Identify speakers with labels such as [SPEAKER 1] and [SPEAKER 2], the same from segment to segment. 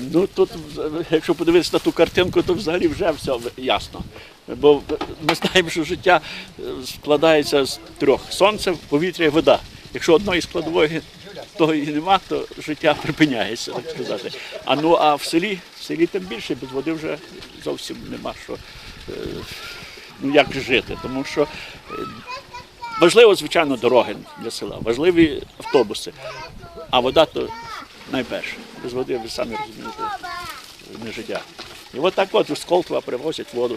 [SPEAKER 1] Ну тут, якщо подивитися на ту картинку, то взагалі вже все ясно. Бо ми знаємо, що життя складається з трьох: сонце, повітря і вода. Якщо одної складової того і нема, то життя припиняється, так сказати. А в селі тим більше, без води вже зовсім нема що, як жити. Тому що важливо, звичайно, дороги для села, важливі автобуси, а вода то найперше. Без води, ви самі розумієте, не життя. І от так от з Колтова привозять воду.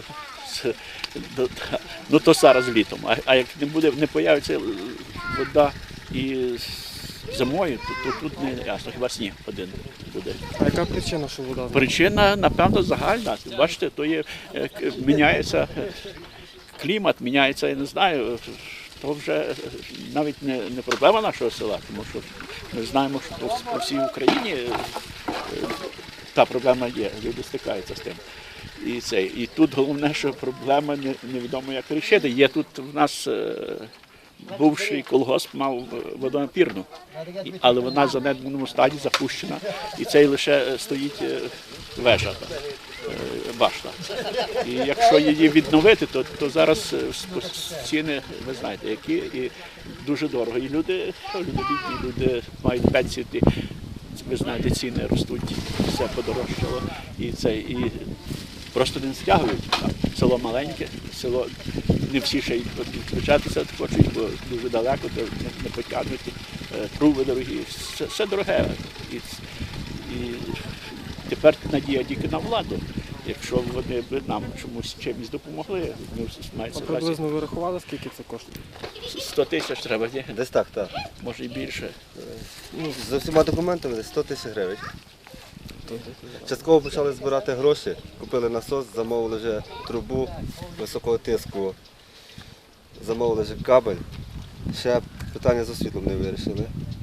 [SPEAKER 1] Ну то зараз літом. А як не появиться вода і зимою, то тут не ясно, хіба сніг один буде.
[SPEAKER 2] А яка причина, що вода?
[SPEAKER 1] Причина, напевно, загальна. Бачите, то є, міняється клімат, міняється, я не знаю, то вже навіть не проблема нашого села, тому що ми знаємо, що по всій Україні та проблема є, люди стикаються з тим. І тут головне, що проблема невідомо як вирішити. Є тут в нас бувший колгосп мав водонапірну, але вона в занедбаному стані запущена, і цей лише стоїть вежа, башта. І якщо її відновити, то зараз ціни, ви знаєте, які, і дуже дорого. І люди бідні, люди мають пенсії, ви знаєте, ціни ростуть, все подорожчало, і просто не стягують. Село маленьке, село не всі ще й підключатися хочуть, бо дуже далеко, то не потягнуть, труби дорогі, все дороге. І тепер надія тільки на владу. Якщо вони б нам чимось допомогли, ми маємо
[SPEAKER 2] А приблизно ви рахували, скільки це коштує?
[SPEAKER 1] 100 тисяч треба, ні?
[SPEAKER 3] Десь так.
[SPEAKER 1] Може і більше.
[SPEAKER 3] Ну, за всіма документами десь 100 тисяч гривень. Частково почали збирати гроші, купили насос, замовили вже трубу високого тиску, замовили вже кабель. Ще питання з освітлом не вирішили.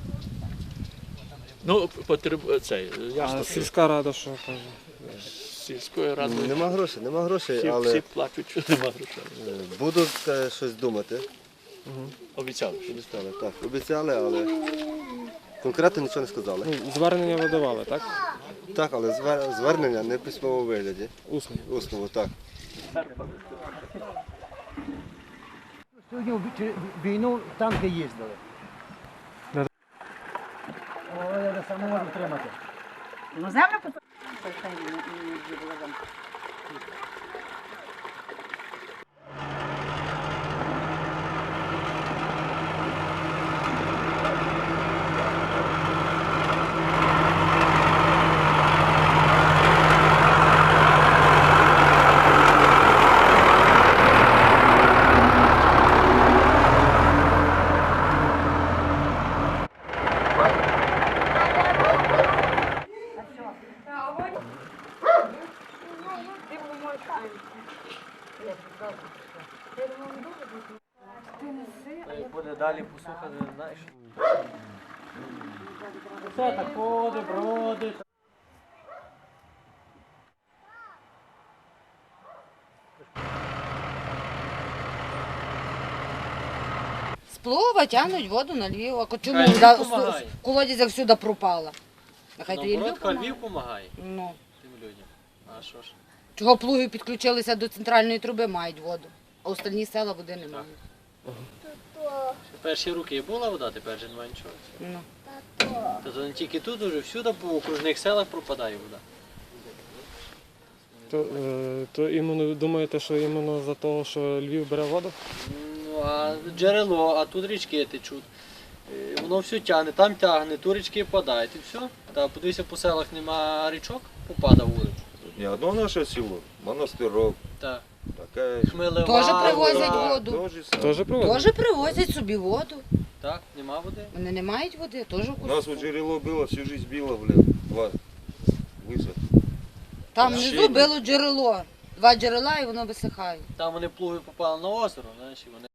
[SPEAKER 1] Ну, ясно.
[SPEAKER 2] А сільська рада що каже?
[SPEAKER 1] Сільської ради
[SPEAKER 3] Нема грошей, але
[SPEAKER 1] всі плачуть, що нема грошей.
[SPEAKER 3] будуть щось думати.
[SPEAKER 1] Обіцяли.
[SPEAKER 3] Обіцяли, але конкретно нічого не сказали.
[SPEAKER 2] Ну, звернення видавали, так?
[SPEAKER 3] Так, але звернення не в письмовому вигляді.
[SPEAKER 2] Усно.
[SPEAKER 3] Усного, так.
[SPEAKER 4] Сьогодні війну танки їздили. Але я сам не можу втримати.
[SPEAKER 5] Ну, землю потім.
[SPEAKER 6] Буде далі посуха, не знаєш. Все так ходить, бродить.
[SPEAKER 7] З плова тягнуть воду на Львів. А чому
[SPEAKER 6] Хай Львів помагає.
[SPEAKER 7] колодязь всюди пропала? Нехай тоді Львів
[SPEAKER 6] Наоборот,
[SPEAKER 7] помагає.
[SPEAKER 6] Львів допомагає
[SPEAKER 7] Ну.
[SPEAKER 6] тим людям. А що ж?
[SPEAKER 7] Чого плуги підключилися до центральної труби, мають воду, а остальні села води не мають.
[SPEAKER 6] Ще перші роки була вода, тепер же немає нічого.
[SPEAKER 7] Ну.
[SPEAKER 6] Тобто не тільки тут, уже всюди по окружних селах пропадає вода.
[SPEAKER 2] То іменно думаєте, що іменно за того, що Львів бере воду?
[SPEAKER 6] Ну, а джерело, а тут річки течуть. Воно все тягне, там тягне, тут річки впадають і все. Та подивися, по селах нема річок, попада в вулицю.
[SPEAKER 8] Не одно наше село, Монастирок,
[SPEAKER 6] Так.
[SPEAKER 8] такая
[SPEAKER 6] Хмелева.
[SPEAKER 7] Теж привозять
[SPEAKER 6] вода.
[SPEAKER 7] воду.
[SPEAKER 8] тоже
[SPEAKER 2] Теж приводить?
[SPEAKER 7] Теж привозять собі воду.
[SPEAKER 6] Так, нема води.
[SPEAKER 7] Вони не мають води, теж
[SPEAKER 8] У нас вот джерело было, всю жизнь било, высох.
[SPEAKER 7] Там внизу було джерело. 2 джерела і воно висихає.
[SPEAKER 6] Там вони плуги попали на озеро, знаєш, і вони